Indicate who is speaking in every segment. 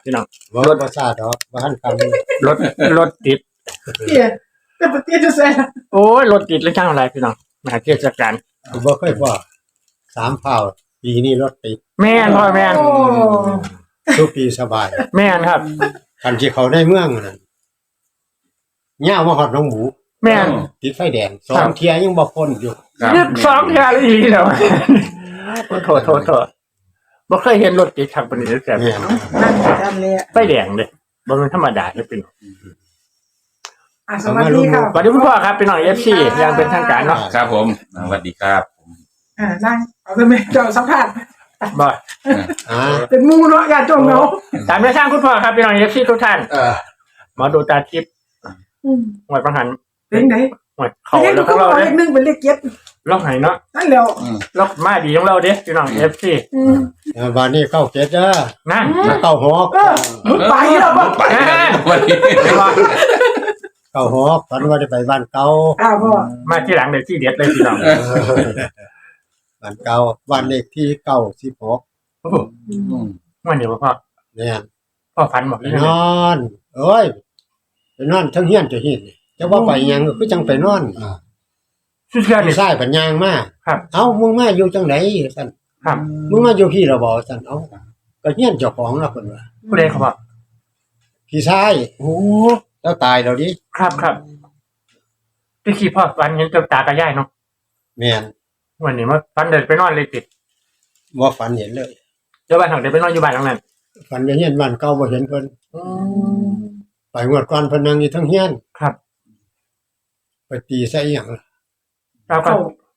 Speaker 1: พี่น้อง
Speaker 2: รถประสาทดอกบ้านกัน
Speaker 1: รถติด
Speaker 3: เตี้ยแต่ปเตี้ยจะแซ่
Speaker 1: โอ้ยรถติดแล้วจ้างอะไรพี่น้องมาเทศกาล
Speaker 2: บ่เคยว่า3 เผ่าปีนี้รถติด
Speaker 1: แม่นพ่อแม่น
Speaker 2: ทุกปีสบาย
Speaker 1: แม่นครับ
Speaker 2: คันที่เขาได้เมืองนั่นย่าวมาฮอดหนองหมู
Speaker 1: แม่น
Speaker 2: ติดไฟแดง2เที่ยยังบ่พ้นอยู่
Speaker 1: ยึด2เที่ยอีหลีแล้วโทษบ่เคยเห็นรถติดทางปานนี้แต่
Speaker 2: แม่น
Speaker 3: นั่นทำเลย
Speaker 1: ไฟแดงเด้บ่แม่นธรรมดาเด้อพี่น้อง
Speaker 3: สวัสดีครับ
Speaker 1: สวัสดีคุณพ่อครับพี่น้อง FC ยังเป็นทางการเนาะ
Speaker 4: ครับผมสวัสดีครับ
Speaker 3: นั่งเอาทำไมเจ้าสัมภาษณ์
Speaker 1: บ่
Speaker 3: เป็นมูเนาะอย่าจงเนาะ
Speaker 1: ตามแนวทางคุณพ่อครับพี่น้อง FC ทุกท่านมาดูตาทิพย์หวยประหัน
Speaker 3: เป็นไหน
Speaker 1: หวยเขาแล้วของเรา
Speaker 3: เลข1เป็นเลข7
Speaker 1: ล็อกไหนเนาะ
Speaker 3: นั่นแล้ว
Speaker 1: ล็อกมาดีของเราเด้พี่น้อง FC
Speaker 2: วันนี้เข้าเจ็ดเด้อ
Speaker 1: นั่น
Speaker 2: เข้าหอก
Speaker 3: ไปแล้วบ่
Speaker 4: ไปวันนี้
Speaker 2: เข้าหอกฝันว่าได้ไปบ้านเก่า
Speaker 3: พ่อ
Speaker 1: มาที่หลังเลยที่เด็ดเลยพี่น้อง
Speaker 2: บ้านเก่าบ้านเลขที่96
Speaker 1: วันนี้พ่อ
Speaker 2: เนี่ย
Speaker 1: พ่อฝันบอก
Speaker 2: นอนเอ้ยไปนอนทั้งเฮียนจะหินจะว่าไปยังคือจังไปนอน
Speaker 1: ชื่อเสียนี่
Speaker 2: ใช่ปัญญางมา
Speaker 1: ครับ
Speaker 2: เอ้ามึงมาอยู่จังไหนซั่น
Speaker 1: ครับ
Speaker 2: มึงมาอยู่พี่ละบ่ซั่นเอ้าก็เฮียนเจ้าของล่ะเพิ่นว่า
Speaker 1: ผู้ใดเขาบอก
Speaker 2: พี่ชายโอ้แล้วตายแล้วดิ
Speaker 1: ครับที่ขี่พ่อฝันเห็นตากับยายเนาะ
Speaker 2: แม่น
Speaker 1: วันนี้มาฝันเดินไปนอนเลยติด
Speaker 2: บ่ฝันเห็นเลย
Speaker 1: เดี๋ยวบ้านหักเดินไปนอนอยู่บ้านหลังนั้น
Speaker 2: ฝันเห็นบ้านเก่าบ่เห็นเพิ่นไปงวดก่อนเพิ่นนั่งอยู่ทั้งเฮียน
Speaker 1: ครับ
Speaker 2: ไปตีใส่อีหยัง
Speaker 3: 98บ่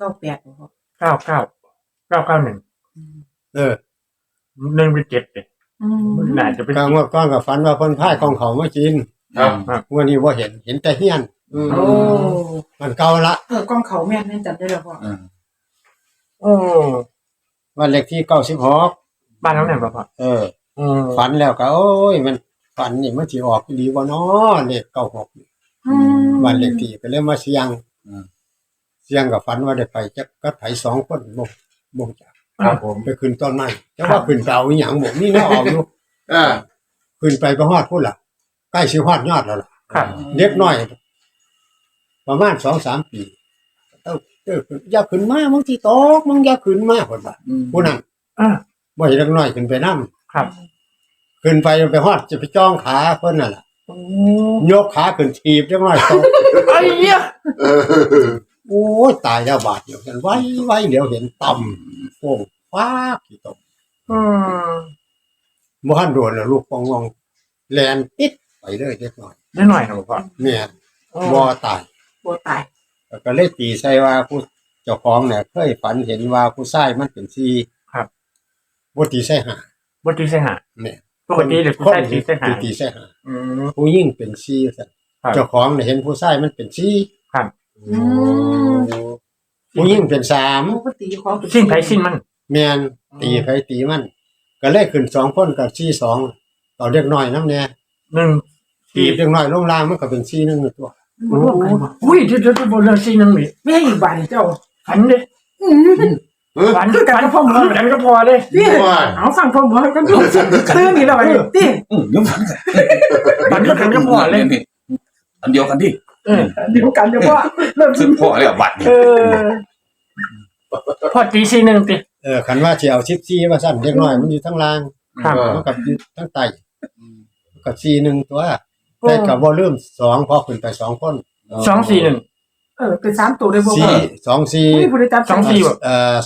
Speaker 1: 9911เป็น7เลยน่าจะเป็น
Speaker 2: งวดก่อนก็ฝันว่าเพิ่นพายของเขามากิน
Speaker 1: ครับ
Speaker 2: วันนี้บ่เห็นแต่เฮียนมันเก่าละ
Speaker 3: กองเขาแม่นจับได้แล้วพ่อ
Speaker 2: วันเลขที่96
Speaker 1: บ้านหลังนั้นบ่พ่อ
Speaker 2: ฝันแล้วก็โอ้ยมันฝันนี่มันสิออกดีบ่น้อเลข96วันเลขที่ก็เลยมาเสี่ยงกับฝันว่าได้ไปจักกับไผ2คนบ่จัก
Speaker 1: ครับผม
Speaker 2: ไปขึ้นต้นไม้แต่ว่าขึ้นไปเอาอีหยังบ่มีแนวเอาอยู่ขึ้นไปก็ฮอดพุ่นล่ะใกล้สิฮอดยอดแล้วล่ะ
Speaker 1: ครับ
Speaker 2: เด็กน้อยประมาณ 2-3 ปีอย่าขึ้นมามึงสิตกมึงอย่าขึ้นมาพุ่นว่าผู้นั้นบ่ให้เด็กน้อยขึ้นไปนำ
Speaker 1: ครับ
Speaker 2: ขึ้นไปฮอดจะไปจ้องขาเพิ่นน่ะล่ะยกขาขึ้นถีบเด็กน้อยตก
Speaker 1: ไอ้เหี้ย
Speaker 2: โอ้ยตายแล้วบาดเดียวกันไว้เดี๋ยวเห็นต่ำโป่งฟ้ากี่ตกบ่ทันโดนแล้วลูกปองงองแล่นติดไปเลยเด็กน้อย
Speaker 1: ครับพ่อ
Speaker 2: เนี่ยบ่ตายก็เลยตีใส่ว่าผู้เจ้าของเนี่ยเคยฝันเห็นว่าผู้ชายมันเป็น4
Speaker 1: ครับ
Speaker 2: บ่ตีใส่
Speaker 1: 5เนี่ยปกติเด็กผู้ชายตีใส่
Speaker 2: 5ผู้หญิงเป็น4ซั่นเจ้าของเนี่ยเห็นผู้ชายมันเป็น4
Speaker 1: ครับ
Speaker 2: ผู้หญิงเป็น
Speaker 3: 3ก็ตีของ
Speaker 1: สิ้นไผสิ้นมัน
Speaker 2: แม่นตีไผตีมันก็เลยขึ้น2คนกับ42ต่อเด็กน้อยนำแน่1ตีเด็กน้อยลงล่างมันก็เป็น41ตัว
Speaker 1: อุ้ยเดี๋ยวบ่เลย41นี่
Speaker 3: แม่อีบ้านเจ้า
Speaker 1: ฝันเด้ฝันกับพ่อหมอกันก็พอเด้
Speaker 3: เอาฟังพ่อหมอกันดูตื่นนี่แล้วไอ้ติ
Speaker 1: ฝันกันก็พอเลย
Speaker 4: อันเดียวกันดิ
Speaker 3: เดียวกันเดี๋ยวว่าเริ่ม
Speaker 4: ซึ่งพ่อแล้วบัด
Speaker 1: พ่อตี41ติ
Speaker 2: คันว่าสิเอา14ว่าซั่นเด็กน้อยมันอยู่ทั้งล่างมันกับอยู่ทั้งใต้ก็41ตัวแต่ก็บ่ลืม2พอขึ้นไป2คน
Speaker 1: 241
Speaker 3: เป็น3ตัวได้บ่
Speaker 2: 24
Speaker 3: ผู้ใดจับ
Speaker 1: 24บ่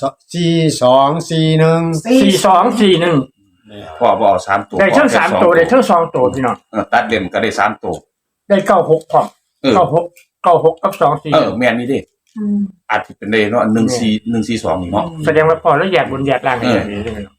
Speaker 2: 4241
Speaker 4: พ่อบ่เอา3ตัว
Speaker 1: ได้ทั้ง3ตัวได้ทั้ง2ตัวพี่น้อง
Speaker 4: ตัดเล่มก็ได้3ตัว
Speaker 1: ได้96พร้อม96กับ24
Speaker 4: แม่นนี่ดิอาจสิเป็นได้เนาะ14142นี่เนาะ
Speaker 1: แสดงว่าพอแล้วแยกบนแยกล่างอย่างนี้ใช่มั้ยเนาะ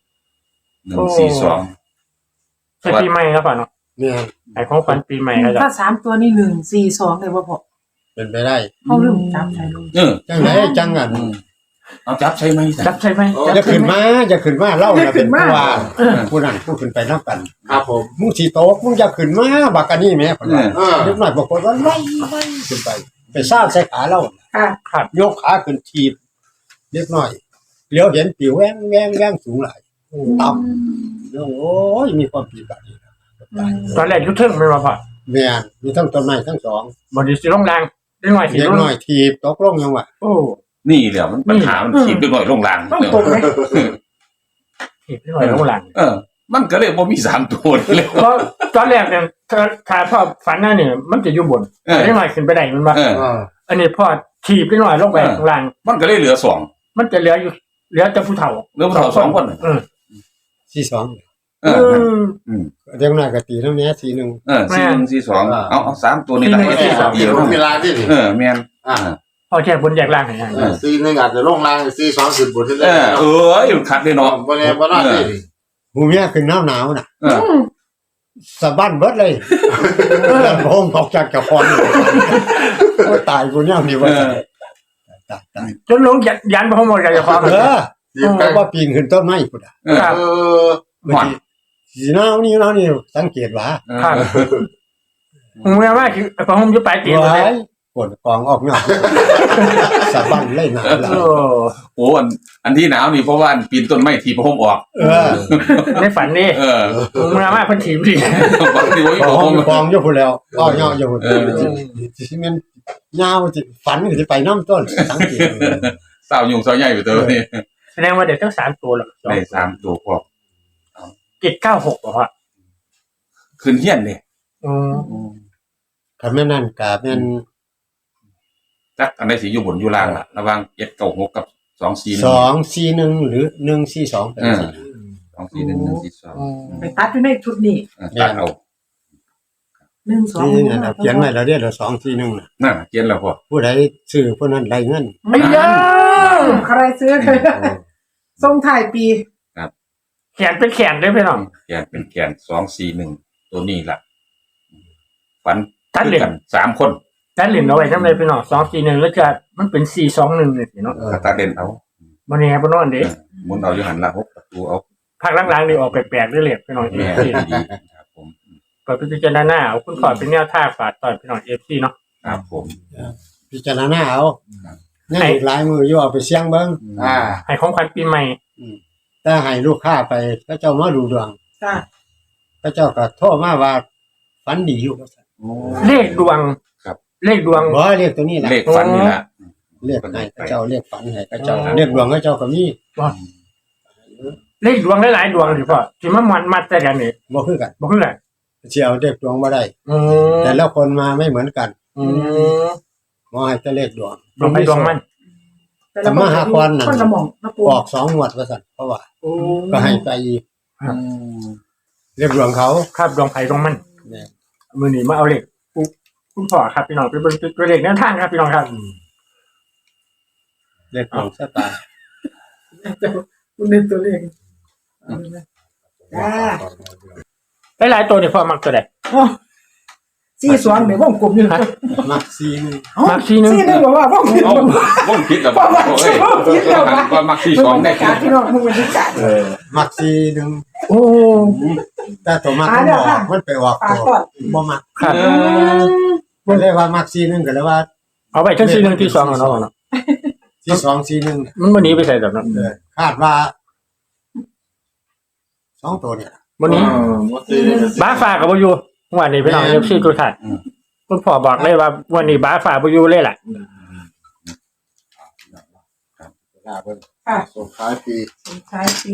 Speaker 4: 142
Speaker 1: ปีใหม่แล้วป่ะเนาะ
Speaker 2: เนี่ย
Speaker 1: ไอ้ของฝันปีใหม่แล้ว
Speaker 3: ถ้า3ตัวนี่142ได้บ่พ่อ
Speaker 2: เป็นไปได้
Speaker 3: เฮาลืมจับใส่ลง
Speaker 2: จังได๋จังอั่น
Speaker 4: เอาจับใช่มั้ย
Speaker 2: จะขึ้นมาเล่าน่ะเป็นผู้ว่าผู้นั้นผู้ขึ้นไปนำกัน
Speaker 4: ครับผม
Speaker 2: มึงสิตกมึงอย่าขึ้นมาบักอันนี้แม่เพิ่นว่าเด็กน้อยบางคนว่าไว้ขึ้นไปซาดใส่ขาเรา
Speaker 1: ครับ
Speaker 2: ยกขาขึ้นถีบเล็กน้อยเลี้ยวเห็นปิวแว้งสูงหลายต่ำแล้วโอ้ยมีความผิดแบบนี้
Speaker 1: ตอนแรกยุทธเทิงไม่มาพอ
Speaker 2: แม่นมีทั้งต้นไม้ทั้งสอง
Speaker 1: บดีสิลงแรงได้หน่อยสิ
Speaker 2: เล็ก
Speaker 1: ลง
Speaker 2: น้อยทีบตกลงยังวะ
Speaker 1: โอ้
Speaker 4: นี่แหละมันปัญหามันขีดด้วยหน่อยลงล่าง
Speaker 1: ต้องตรงไหมถีบได้หน่อยลงแรง
Speaker 4: มันก็เลยบ่มี3ตัวเลย
Speaker 1: เพราะตอนแรกเนี่ยถ้าพ่อฝันหน้าเนี่ยมันจะอยู่บนได้หน่อยขึ้นไปได้มันมาอันนี้พ่อถีบได้หน่อยลงไปข้างล่าง
Speaker 4: มันก็เลยเหลือ2
Speaker 1: มันจะเหลืออยู่เหลือแต่ผู้เฒ่า
Speaker 4: เหลือผู้เฒ่า2คน
Speaker 2: สี่สอง เล็กน้อยก็ตีน้ำเนี้ยสี่หนึ่ง
Speaker 4: 4-1-4-2เอา3ตัวนี้ละเดียว
Speaker 5: เวลาที่นี่
Speaker 4: แม่น
Speaker 1: พ่อแค่บนแยกล่างให้
Speaker 5: ซีหนึ่งอาจจะลงล่างซีสองขึ้นบนที่เลย
Speaker 4: มันคัดได้เนาะ
Speaker 5: บ่แน่บ่นอนนี่
Speaker 2: หูเมียขึ้นหนาวน่ะสะบั้นเบิดเลยแล้วผมออกจากกระพรโอ้ตายกูเนี่ยนี่ว่าตาย
Speaker 1: จนลงยันพระโมยกับความ
Speaker 2: ว่าปีนขึ้นต้นไม้พุ่นอ่ะ
Speaker 1: ครับ
Speaker 2: บางทีสีหนาวนี่สังเกตว่า
Speaker 1: ครับผมเมื่อว่าคือพระโมยุบไปตีนเลย
Speaker 2: ปวดกองออกเนาะสะบั้นเลยหนาวแล้ว
Speaker 4: โอ้อันที่หนาวนี่เพราะว่าปีนต้นไม้ทีพระห่มออก
Speaker 1: ในฝันนี่เมื่อว่าพันถีบดิ
Speaker 4: บางทีว่า
Speaker 2: ก
Speaker 4: พระ
Speaker 2: อง
Speaker 4: ห่ม
Speaker 2: กองอยู่พุ่นแล้วอ้อยออยู่พุ่นสิมันยาวสิฝันสิไปน้ำต้นสังเกต
Speaker 4: สาวยุงสาวใหญ่ไปเตอนี่
Speaker 1: แสดงว่าเด็กทั้ง3ตัวหรอก
Speaker 4: ได้3ตัวพอ
Speaker 1: 796บอกว่า
Speaker 4: ขึ้นเฮียนนี่
Speaker 2: คันแม่นั่นกะแม่น
Speaker 4: จักอันใดสิอยู่บนอยู่ล่างล่ะระหว่าง796กับ241
Speaker 2: 241หรือ142เป็นสิ
Speaker 4: 241
Speaker 3: ไปตัดอยู่ในชุดนี้
Speaker 4: 142ตัดเอา
Speaker 3: 1
Speaker 2: นี่นั่นน่ะเขียนไว้แล้วเด้อ241น่ะ
Speaker 4: น่ะเขียนแล้วพอ
Speaker 2: ผู้ใดซื้อผู้นั้นได้เงิน
Speaker 1: ไม่เยอะ
Speaker 3: 2ใครซื้อใครส่งท้ายปี
Speaker 1: แขนเป็นแขนได้ไหมน้อง
Speaker 4: แขนเป็นแขน241ตัวนี้ล่ะฝัน
Speaker 1: ตัดเหรียญ
Speaker 4: กัน3คน
Speaker 1: ตัดเหรียญเอาไว้ทำไรพี่น้อง241แล้วจะมันเป็น421เลยสิเนาะ
Speaker 4: ก็ตัดเด่นเอา
Speaker 1: วันนี้บนนอนเด็ก
Speaker 4: หมุนเอาอยู่หันละ6ประตูเอา
Speaker 1: ภาคล่างๆนี่ออกแปลกๆเรื่อยๆพี่น้องเอ
Speaker 4: แม่
Speaker 1: ฟซี
Speaker 4: ดีครับผม
Speaker 1: เปิดพิจารณาเอาคุณขอเป็นแนวทางฝากตอนพี่น้องเอฟซีเนาะ
Speaker 4: ครับผม
Speaker 2: พิจารณาเอายังอีกหลายมืออยู่เอาไปเสี่ยงเบิ่ง
Speaker 1: ให้ของขวัญปีใหม่
Speaker 2: ถ้าให้ลูกค้าไปพระเจ้ามาดูดวง
Speaker 3: จ้า
Speaker 2: พระเจ้าก็โทรมาว่าฝันดีอยู่ว่าซั่น
Speaker 1: เลขดวงเลขดวง
Speaker 2: บ่เรียกตัวนี้ล่ะ
Speaker 4: เลขฝันนี่ล่ะ
Speaker 2: เรียกให้พระเจ้าเรียกฝันให้พระเจ้าเรียกดวงพระเจ้าก็มี
Speaker 1: เลขดวงหลายๆดวงสิพ่อสิมามันมัดแต่กันนี่
Speaker 2: บ่คือกัน
Speaker 1: บ่คือกัน
Speaker 2: สิเอาเรียกดวงบ่ได้ แต่ละคนมาไม่เหมือนกันหมอให้แต่เลขดวง
Speaker 1: ดวงไปดวงมัน
Speaker 2: แต่มหาควรนั่น
Speaker 3: คนละหม่องนะปู
Speaker 2: ออก2งวดว่าซั่นเพราะว่าก็ให้ไปอีกเรียกดวงเขา
Speaker 1: ครับดวงไผ่ดวงมัน
Speaker 2: เนี่ย
Speaker 1: มือนี้มาเอาเลขคุณพ่อครับพี่น้องไปเบิ่งตัวเลขแนวทางครับพี่น้องครับ
Speaker 2: เรียกดวงชะตา
Speaker 3: คุณนึกตัวเลขจ้า
Speaker 1: หลายๆตัวนี่พ่อมักตัวใด
Speaker 3: 42เนี่ยวงกลมอยู่นะ
Speaker 2: มักซีนึง
Speaker 1: มัก4นึง
Speaker 3: 41บอกว่าวงกล
Speaker 4: เอา
Speaker 3: ม
Speaker 4: วงคิดแล้วบ่เอ้ยก็มักที่2ได้
Speaker 3: การพี่น้องมึงบรรยากาศ
Speaker 2: มักซีนึง
Speaker 1: โอ้
Speaker 2: แต่ตัวมักมันออกมันไปออก
Speaker 3: ปา
Speaker 2: ตัว
Speaker 3: ก่อน
Speaker 2: บ่มัก
Speaker 1: ครับ
Speaker 2: ก็เลยว่ามักซีนึงก็เลยว่า
Speaker 1: เอาไปทั้ง4นึงที่2แล้วเนาะ
Speaker 2: ที่2ซีนึง
Speaker 1: มันบ่หนีไปใส่ดอกเนาะ
Speaker 2: คาดว่า2ตัวเนี่ย
Speaker 1: บ่หนีบ้าฟ้าก็บ่อยู่วันนี้พี่น้อง FC ทุกท่านคุณพ่อบอกเลยว่าวันนี้บ้าฟ้าบ่อยู่เลยล่ะ
Speaker 3: ค่ะ
Speaker 5: ส่งท้ายปี
Speaker 3: ส่งท้ายปี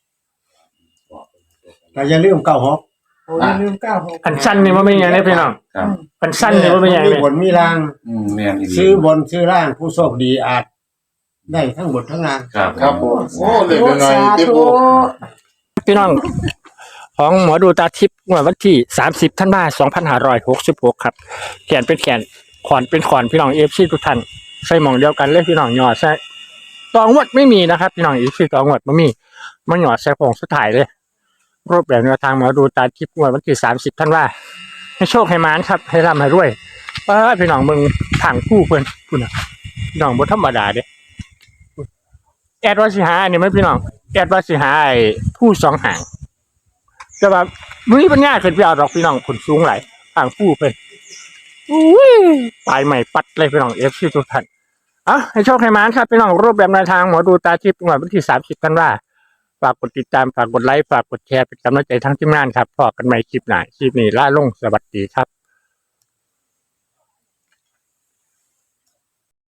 Speaker 2: ก็อย่าลืม96
Speaker 3: โอ้ยลืม96
Speaker 1: อันสั้นนี่บ่เป็นหยังเด้พี่น้อง
Speaker 4: ครับ
Speaker 1: อันสั้นนี่บ่เป็นหยัง
Speaker 2: มี
Speaker 1: เด้
Speaker 2: บนมีล่าง
Speaker 4: แม่นอีหลี
Speaker 2: ซื้อบนซื้อล่างผู้โชคดีอาจได้ทั้งบนทั้งล่าง
Speaker 4: ครับ
Speaker 5: ครับผมโอ้เล็กน้อยที่ปู
Speaker 1: พี่น้องของหมอดูตาทิพย์วันที่30ธันวาคม2566ครับแขนเป็นแขนขอนเป็นขอนพี่น้อง FC ทุกท่านใส่หม่องเดียวกันเลยพี่น้องหยอดใส่ตองวดไม่มีนะครับพี่น้อง FC ตองวดบ่มีมันหยอดใส่ผงสุดท้ายเลยรูปแบบแนวทางหมอดูตาทิพย์วันที่30ธันวาคมให้โชคให้มานครับให้ร่ำให้รวยพี่น้องมึงทางคู่เพิ่นพุ่นน่ะพี่น้องบ่ธรรมดาเด้แอดว่าสิหาอันนี้มั้ยพี่น้องแอดว่าสิหาไอ้ผู้สองหางแต่ว่ามื้อปัญญาขึ้นไปเอาดอกพี่น้องผลสูงหลายทางผู้เพิ่นอุ้ยปลายใหม่ปัดเลยพี่น้อง FC ทุกท่านให้โชคให้มานครับพี่น้องรูปแบบแนวทางหมอดูตาทิพย์วันที่30ธันวาคมฝากกดติดตามฝากกดไลค์ฝากกดแชร์เป็นกำลังใจทั้งทีมงานครับพบกันใหม่คลิปหน้าคลิปนี้ล่าลงสวัสดีครับ